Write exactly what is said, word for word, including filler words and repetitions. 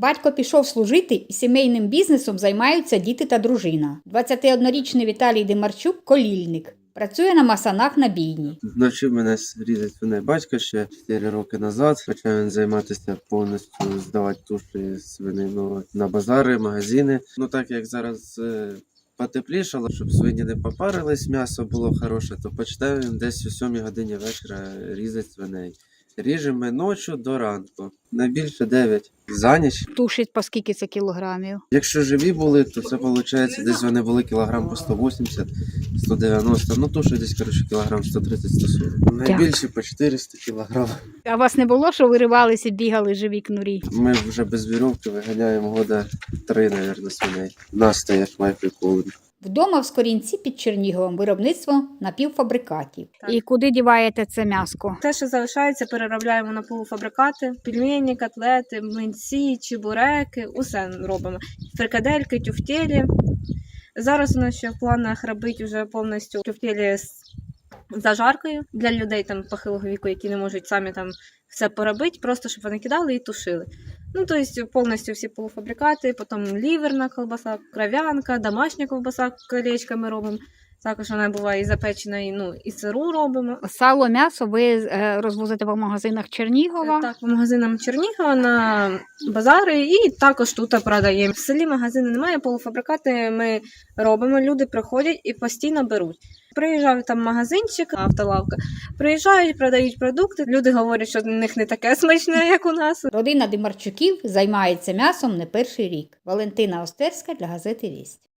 Батько пішов служити і сімейним бізнесом займаються діти та дружина. двадцятиоднорічний Віталій Демарчук – колільник. Працює на масанах на бійні. Навчив мене різати свиней батько ще чотири роки назад. Почав він займатися повністю, здавати туші свинину на базари, магазини. Ну так як зараз е, потеплішало, щоб свині не попарились, м'ясо було хороше, то почав він десь о сьомій годині вечора різати свиней. Ріжемо ночі до ранку. Найбільше дев'ять за ніч. Тушить по скільки це кілограмів? Якщо живі були, то це виходить, десь вони були кілограм по сто вісімдесят - сто дев'яносто. Ну, тушить десь, коротше, кілограм сто тридцять - сто сорок. Найбільше по чотириста кілограм. А вас не було, що виривалися, бігали живі кнурі? Ми вже без вірьовки виганяємо года три, мабуть, свиней. Нас стоять майки колони. Вдома в Скорінці під Черніговом виробництво напівфабрикатів. Так. І куди діваєте це м'яско? Те, що залишається, переробляємо на полуфабрикати, пельмені, котлети, млинці, чебуреки, усе робимо. Фрикадельки, тюфтелі. Зараз у нас ще в планах робити вже повністю тюфтелі з зажаркою для людей там похилого віку, які не можуть самі там все поробити, просто щоб вони кидали і тушили. Ну, тобто повністю всі полуфабрикати, потім ліверна колбаса, кров'янка, домашня ковбаса колечками робимо. Також вона буває і запечена, і, ну, і сиру робимо. Сало, м'ясо ви е, розвозите по магазинах Чернігова? Так, по магазинам Чернігова, на базари і також тут продаємо. В селі магазину немає, полуфабрикати ми робимо, люди приходять і постійно беруть. Приїжджають там магазинчик, автолавка, приїжджають, продають продукти, люди говорять, що в них не таке смачне, як у нас. Родина Демарчуків займається м'ясом не перший рік. Валентина Остерська для газети «Вість».